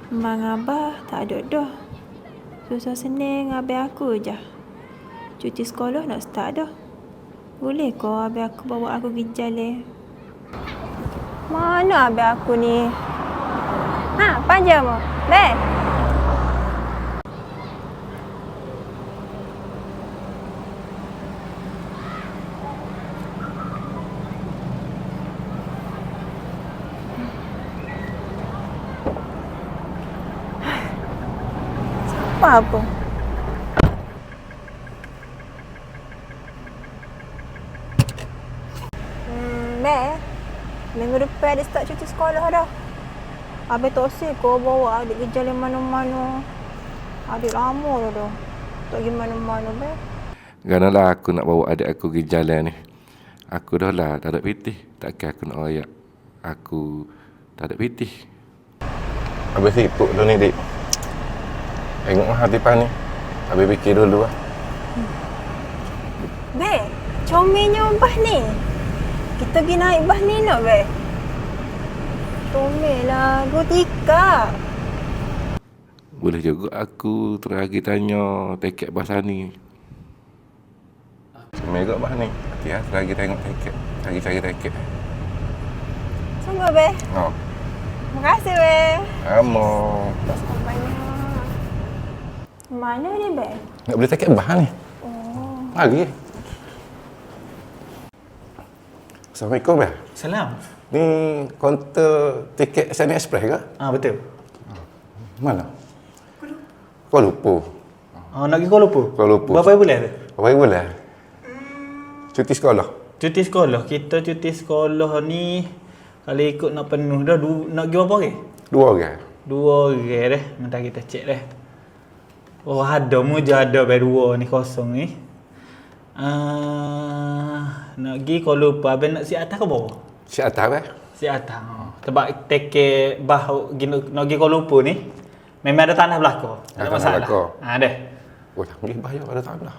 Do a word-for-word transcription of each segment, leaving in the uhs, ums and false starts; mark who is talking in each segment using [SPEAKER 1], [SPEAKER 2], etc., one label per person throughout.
[SPEAKER 1] Mak Abah tak ada dah. Susah senang abang aku je. Cuti sekolah nak start dah. Boleh ke abang aku bawa aku pergi jalan? Mana abang aku ni? Ha, panjang mu. Beh. Siapa apa? Hmm, Beh. Minggu depan ada start cuti sekolah dah. Abang tak usah kau bawa adik pergi jalan mana-mana. Adik lama dah dah. Tak pergi mana-mana, Beh.
[SPEAKER 2] Ganalah aku nak bawa adik aku pergi jalan ni. Aku dah lah tak ada pitih. Takkan aku nak royak. Aku tak ada pitih.
[SPEAKER 3] Habis sibuk tu ni, Dik. Tengoklah hati pan ni. Habis fikir dulu lah.
[SPEAKER 1] Beh, comelnya bah ni. Kita pergi naik bah ni nak, Beh? Comel lah, go tiga.
[SPEAKER 2] Boleh juga aku terus lagi tanya tiket bahasa ni.
[SPEAKER 3] Semai juga bah ni. Nanti lah lagi tengok tiket. Lagi cari tiket.
[SPEAKER 1] Sungguh, Beh.
[SPEAKER 3] Oh.
[SPEAKER 1] Terima kasih, Beh.
[SPEAKER 3] Sama.
[SPEAKER 1] Banyak. Mana ni, Beh?
[SPEAKER 3] Nak beli tiket bah ni.
[SPEAKER 1] Oh.
[SPEAKER 3] Lagi. Assalamualaikum, Beh.
[SPEAKER 4] Salam.
[SPEAKER 3] Ni kaunter tiket Sani Express ke?
[SPEAKER 4] Ah betul.
[SPEAKER 3] Mana? Kuala Lumpur.
[SPEAKER 4] Ah nak pergi Kuala Lumpur.
[SPEAKER 3] Kuala Lumpur.
[SPEAKER 4] Berapa bulan tu?
[SPEAKER 3] Berapa bulan? Cuti sekolah.
[SPEAKER 4] Cuti sekolah. Kita cuti sekolah ni kalau ikut nak penuh dah du, nak pergi berapa orang?
[SPEAKER 3] Dua orang.
[SPEAKER 4] Dua orang dah. Nanti kita cek dah. Oh ada mu je ada baru dua ni kosong ni. Ah nak pergi Kuala Lumpur. Abang nak siap atas ke bawah?
[SPEAKER 3] Si atas, Beh.
[SPEAKER 4] Siap atas. Oh. Sebab tiket bah nak pergi Kuala Lumpur ni memang ada tanah belakang. Tak ada
[SPEAKER 3] Tanah
[SPEAKER 4] masalah.
[SPEAKER 3] belakang.
[SPEAKER 4] Ha dah.
[SPEAKER 3] Oh, canggih bayar ada tanah.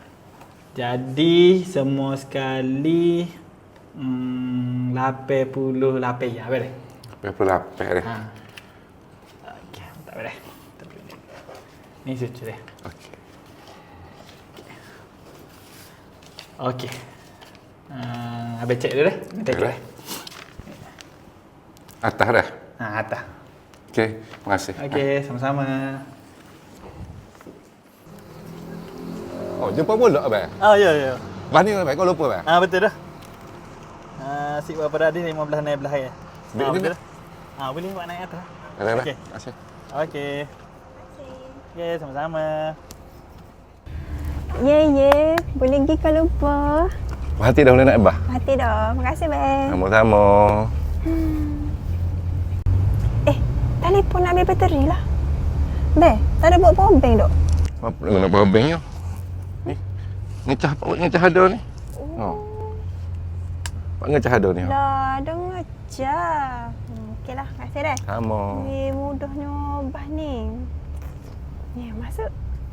[SPEAKER 4] Jadi semua sekali hmm, lapan puluh lapan ya boleh.
[SPEAKER 3] lapan puluh lapan dah.
[SPEAKER 4] Ha. Okey, tak boleh. Ni suci dah.
[SPEAKER 3] Okey.
[SPEAKER 4] Okey. Uh, habis cek dia dah. Minta
[SPEAKER 3] Okey,
[SPEAKER 4] cek.
[SPEAKER 3] dah. Atas dah.
[SPEAKER 4] Ha, atas.
[SPEAKER 3] Okey, terima kasih.
[SPEAKER 4] Okey, sama-sama.
[SPEAKER 3] Oh, jumpa pula, Abang.
[SPEAKER 4] Oh, ya ya.
[SPEAKER 3] Bah ni, Abang, kau lupa, Abang?
[SPEAKER 4] Ah betul dah. Ah sik berapa dah ni lima belas naik belah ya.
[SPEAKER 3] Dek
[SPEAKER 4] Ah
[SPEAKER 3] ni
[SPEAKER 4] betul
[SPEAKER 3] dah.
[SPEAKER 4] dah. Ah boleh buat naik atas.
[SPEAKER 3] Dah, dah.
[SPEAKER 4] Okey.
[SPEAKER 3] Terima kasih.
[SPEAKER 4] Okey. Okey, sama-sama.
[SPEAKER 1] Ye, ye. Boleh pergi Kuala Lumpur.
[SPEAKER 3] Hati dah boleh naik bah.
[SPEAKER 1] Hati dah. Terima kasih, Beh.
[SPEAKER 3] Sama-sama.
[SPEAKER 1] Eh, telefon nak ambil bateri lah. Beh, tak ada buat power bank dok?
[SPEAKER 3] Apa nak power bank ni? Ni. Ngecah apa ngecah ada ni? Oh. Pak ngecah ada ni.
[SPEAKER 1] Dah, dengar je. Hmm, Okeylah, terima kasih dah.
[SPEAKER 3] Sama.
[SPEAKER 1] Ni mudahnya bah ni. Ni masuk.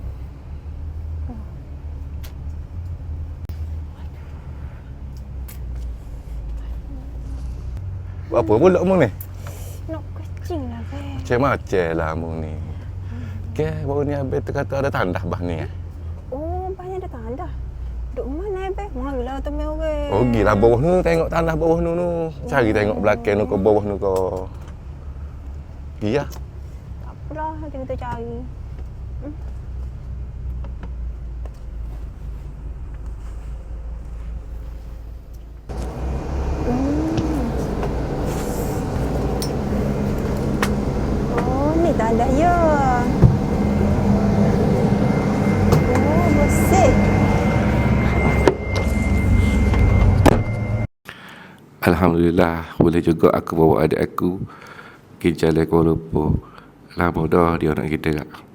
[SPEAKER 3] Buat apa pula mu ni?
[SPEAKER 1] Nak kucing lah, Beh.
[SPEAKER 3] Macam-macam lah mu ni. Okey, baru ni Abang terkata ada tandah bah ni. Eh?
[SPEAKER 1] Oh, bahnya ada tanda. Duk mana, Beh? Marilah temui orang.
[SPEAKER 3] Oh, pergilah bawah nu tengok tanah bawah nu nu. Cari tengok belakang nu ke bawah nu ke. Pergi lah.
[SPEAKER 1] Tak apalah, nanti kita cari. Hmm. Oh, ni tanda ya. Oh, bersih.
[SPEAKER 2] Alhamdulillah boleh juga aku bawa adik aku pergi jalan Kuala Lumpur. Lama dah dia nak kita.